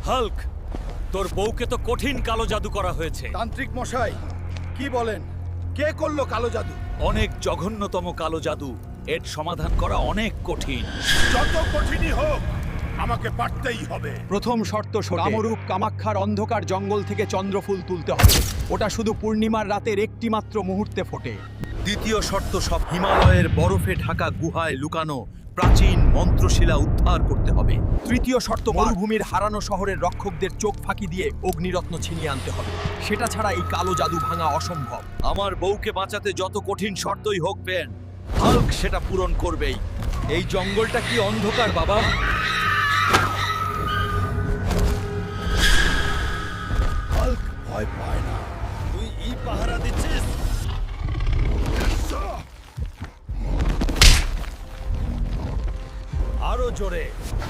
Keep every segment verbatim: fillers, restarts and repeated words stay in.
Hulk, তোর বউকে তো কঠিন কালো জাদু করা হয়েছে। তান্ত্রিক মশাই, কি বলেন? কে করলো কালো জাদু? অনেক জঘন্যতম কালো জাদু। এর সমাধান করা অনেক কঠিন। যত কঠিনই হোক, আমাকে পারতেই হবে। প্রথম শর্ত শোনো, কামরূপ কামাখ্যার অন্ধকার জঙ্গল থেকে চন্দ্রফুল তুলতে হবে। ওটা শুধু পূর্ণিমার রাতের একটি মাত্র মুহূর্তে ফোটে। দ্বিতীয় শর্ত, সব হিমালয়ের বরফে ঢাকা গুহায় লুকানো প্রাচীন মন্ত্রশিলা উদ্ধার করতে হবে। তৃতীয় শর্ত, মরুভূমির হারানো শহরের রক্ষকদের চোখ ফাঁকি দিয়ে অগ্নিরত্ন ছিনিয়ে আনতে হবে। সেটা ছাড়া এই কালো জাদু ভাঙা অসম্ভব। আমার বউকে বাঁচাতে যত কঠিন শর্তই হোক পেন, হাল্ক সেটা পূরণ করবেই। এই জঙ্গলটা কি অন্ধকার বাবা? হাল্ক ভয় পায় না। তুই ই পাহারা দিচ্ছিস? আরো জোরে।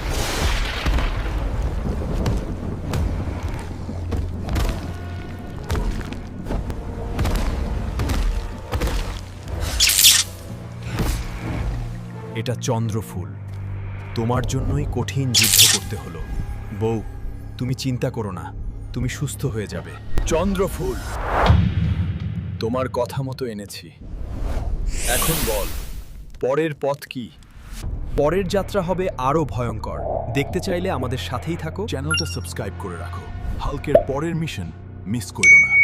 এটা চন্দ্রফুল। তোমার জন্যই কঠিন যুদ্ধ করতে হলো। বউ, তুমি চিন্তা করো না, তুমি সুস্থ হয়ে যাবে। চন্দ্রফুল, তোমার কথা মতো এনেছি। এখন বল, পরের পথ কি? পরের যাত্রা হবে আরো ভয়ঙ্কর। দেখতে চাইলে আমাদের সাথেই থাকো। চ্যানেলটা সাবস্ক্রাইব করে রাখো। হাল্কের পরের মিশন মিস করো না।